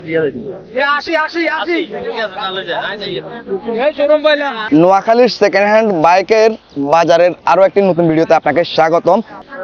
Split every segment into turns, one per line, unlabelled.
নোয়াখালীর second hand বাইকের বাজারের আরো একটি নতুন ভিডিওতে আপনাকে স্বাগতম।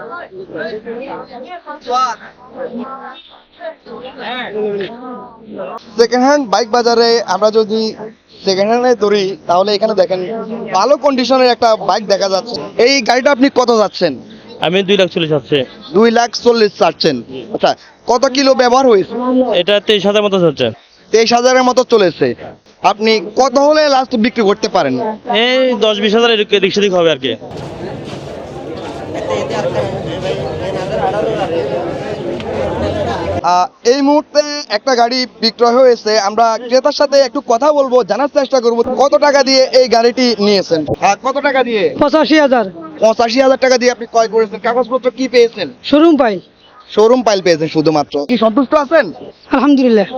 সেকেন্ড হ্যান্ড বাইক বাজারে আমরা যদি সেকেন্ড হ্যান্ডে ধরি তাহলে এখানে দেখেন ভালো কন্ডিশনের একটা বাইক দেখা যাচ্ছে। এই গাড়িটা আপনি কত যাচ্ছেন?
আমি 2,40,000 যাচ্ছে।
2,40,000 চাচ্ছেন। আচ্ছা, কত কিলো ব্যবহার হয়েছে?
এটা 23,000 মতো যাচ্ছে।
23,000-এর মতো চলেছে। আপনি কত হলে লাস্ট বিক্রি করতে পারেন?
এই 10-20,000 এদিক সেদিক হবে আর কি।
এই মুহূর্তে একটা গাড়ি বিক্রয় হয়েছে। আমরা ক্রেতার সাথে একটু কথা বলবো, জানার চেষ্টা করবো কত টাকা দিয়ে এই গাড়িটি নিয়েছেন। কত টাকা দিয়ে?
85,000।
85,000 টাকা দিয়ে আপনি ক্রয় করেছেন। কাগজপত্র কি পেয়েছেন?
শোরুম পাই।
শোরুম পাইল পেয়েছেন শুধুমাত্র। কি সন্তুষ্ট আছেন?
আলহামদুলিল্লাহ।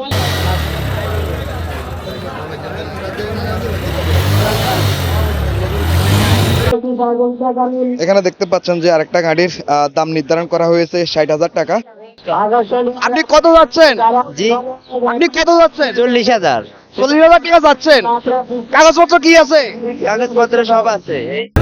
এখানে দেখতে পাচ্ছেন যে আরেকটা গাড়ির দাম নির্ধারণ করা হয়েছে 60,000 টাকা। আপনি কত যাচ্ছেন?
জি,
আপনি কত যাচ্ছেন?
40,000।
40,000 টাকা যাচ্ছেন। কাগজপত্র কি আছে?
কাগজপত্র সব আছে।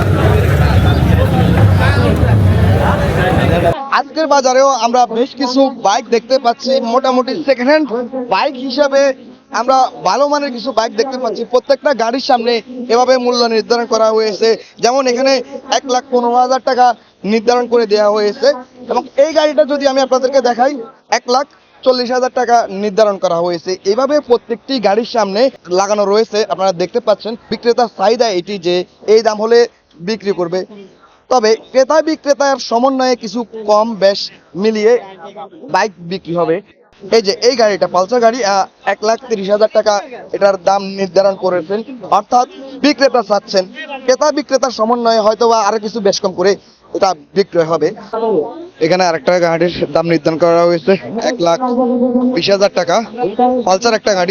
আজকের বাজারেও আমরা বেশ কিছু বাইক দেখতে পাচ্ছি। মোটামুটি সেকেন্ড হ্যান্ড বাইক হিসাবে আমরা ভালো মানের কিছু বাইক দেখতে পাচ্ছি। প্রত্যেকটা গাড়ির সামনে এভাবে মূল্য নির্ধারণ করা হয়েছে। যেমন এখানে 1,15,000 টাকা নির্ধারণ করে দেওয়া হয়েছে এবং এই গাড়িটা যদি আমি আপনাদেরকে দেখাই 1,40,000 টাকা নির্ধারণ করা হয়েছে। এভাবে প্রত্যেকটি গাড়ির সামনে লাগানো রয়েছে। আপনারা দেখতে পাচ্ছেন বিক্রেতার চাহিদা এটি যে এই দাম হলে বিক্রি করবে। তবে ক্রেতা বিক্রেতার সমন্বয়ে কিছু কম বেশ মিলিয়ে বাইক বিক্রি হবে। এই যে এই গাড়িটা পালসার গাড়ি 1,30,000 টাকা এটার দাম নির্ধারণ করেছেন। অর্থাৎ বিক্রেতা চাচ্ছেন ক্রেতা বিক্রেতার সমন্বয়ে হয়তো বা আরো কিছু বেশ কম করে এটা বিক্রয় হবে। এখানে আরেকটা গাড়ির দাম নির্ধারণ করা হয়েছে 1,20,000 টাকা। পালসার একটা গাড়ি।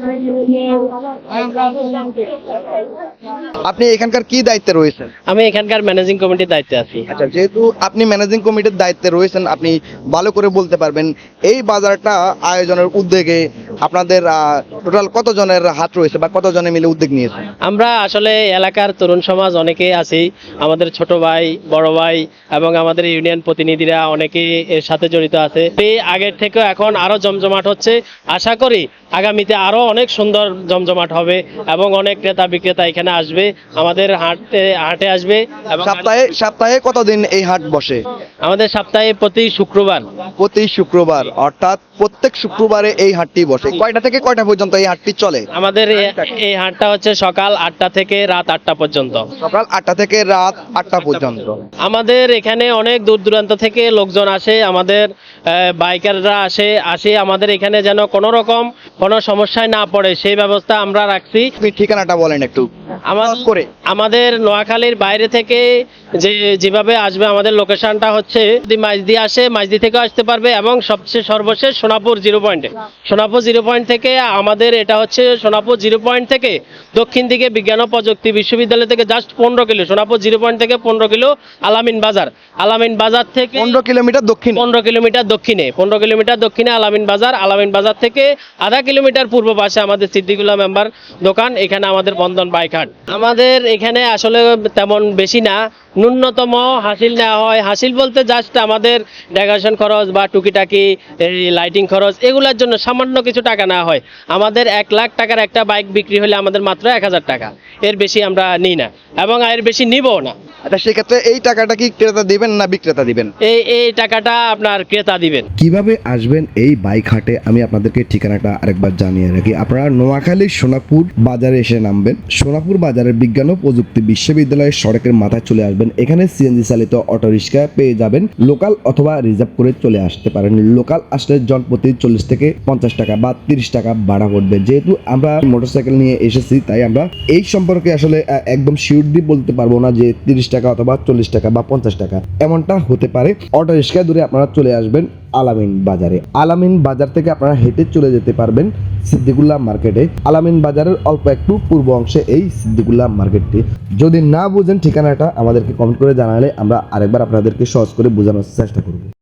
আপনি এখানকার কি দায়িত্বে রয়েছেন?
আমি এখানকার ম্যানেজিং কমিটির দায়িত্বে আছি।
আচ্ছা, যেহেতু আপনি ম্যানেজিং কমিটির দায়িত্বে রয়েছেন, আপনি ভালো করে বলতে পারবেন এই বাজারটা আয়োজনের উদ্যোগে আপনাদের টোটাল কতজনের হাত রয়েছে বা কতজনে মিলে উদ্যোগ নিয়েছে?
আমরা আসলে এলাকার তরুণ সমাজ অনেকেই আছি, আমাদের ছোট ভাই, বড় ভাই এবং আমাদের ইউনিয়ন প্রতিনিধিরা অনেকেই এর সাথে জড়িত আছে। এই আগের থেকে এখন আরো জমজমাট হচ্ছে। আশা করি আগামীতে আরো অনেক সুন্দর জমজমাট হবে এবং অনেক ক্রেতা বিক্রেতা এখানে আসবে, আমাদের হাটে আসবে। এবং
সপ্তাহে কতদিন এই হাট বসে?
আমাদের সপ্তাহে প্রতি শুক্রবার,
অর্থাৎ প্রত্যেক শুক্রবারে এই হাটটি বসে। কয়টা থেকে কয়টা পর্যন্ত এই হাটটি চলে?
আমাদের এই হাটটা হচ্ছে সকাল 8টা থেকে রাত 8টা পর্যন্ত।
সকাল 8টা থেকে রাত 8টা পর্যন্ত।
আমাদের এখানে অনেক দূর দূরান্ত থেকে লোকজন আসে, আমাদের বাইকাররা আসে আমাদের এখানে যেন কোনো রকম কোনো সমস্যায় না পড়ে সেই ব্যবস্থা আমরা রাখছি।
ঠিকানাটা বলেন একটু
আমাদের নোয়াখালীর বাইরে থেকে যেভাবে আসবে আমাদের লোকেশনটা হচ্ছে মাইজদি আসে, মাইজদি থেকে আসতে পারবে এবং সর্বশেষ সোনাপুর জিরো পয়েন্ট থেকে আমাদের এটা হচ্ছে সোনাপুর জিরো পয়েন্ট থেকে দক্ষিণ দিকে বিজ্ঞান ও প্রযুক্তি বিশ্ববিদ্যালয় থেকে just 15 kilo, Sonapur zero point থেকে 15 কিলো আলামিন বাজার থেকে
15 কিলোমিটার দক্ষিণে
15 কিলোমিটার দক্ষিণে আলামিন বাজার থেকে আধা কিলোমিটার পূর্ব পাশে আমাদের সিদ্দিকুল্লাহ মেম্বার দোকান। এখানে আমাদের বন্ধন বাইক হাট। আমাদের এখানে আসলে তেমন বেশি না, ন্যূনতম হাসিল নেওয়া হয়। হাসিল বলতে জাস্ট আমাদের ডেকোরেশন খরচ বা টুকিটাকি লাইটিং খরচ এগুলোর জন্য সামান্য কিছু টাকা নেওয়া হয়। আমাদের 1 লাখ টাকার একটা বাইক বিক্রি হলে আমাদের মাত্র 1,000 টাকা, এর বেশি আমরা নিই না এবং এর বেশি নিবও না।
আচ্ছা, সেক্ষেত্রে এই টাকাটা কি ক্রেতা দিবেন না বিক্রেতা দিবেন?
এই টাকাটা আপনার ক্রেতা দিবেন।
কিভাবে আসবেন এই বাইক হাটে আমি আপনাদেরকে ঠিকানাটা আরেকবার জানিয়ে রাখি। আপনারা নোয়াখালীর সোনাপুর বাজারে এসে নামবেন। সোনাপুর বাজারের বিজ্ঞান ও প্রযুক্তি বিশ্ববিদ্যালয়ের সড়কের মাথায় চলে আসবেন। এখানে সিএনজি চালিত অটো রিক্সা পেয়ে যাবেন। লোকাল অথবা রিজার্ভ করে চলে আসতে পারেন। লোকাল আসলে জনপ্রতি 40 থেকে 50 টাকা বা 30 টাকা ভাড়া পড়বে। যেহেতু আমরা মোটরসাইকেল নিয়ে এসেছি তাই আমরা এই সম্পর্কে আসলে একদম শিওরলি বলতে পারবো না যে 30 টাকা অথবা 40 টাকা বা 50 টাকা এমনটা হতে পারে। অটো রিক্সায় দূরে আপনারা চলে আসবেন আলামিন বাজারে। আলামিন বাজার থেকে আপনারা হেঁটে চলে যেতে পারবেন সিদ্দিকুল্লাহ মার্কেটে। আলামিন বাজারের অল্প একটু পূর্ব অংশে এই সিদ্দিকুল্লাহ মার্কেটটি। যদি না বুঝেন ঠিকানাটা আমাদেরকে কমেন্ট করে জানালে আমরা আরেকবার আপনাদেরকে সহজ করে বোঝানোর চেষ্টা করব।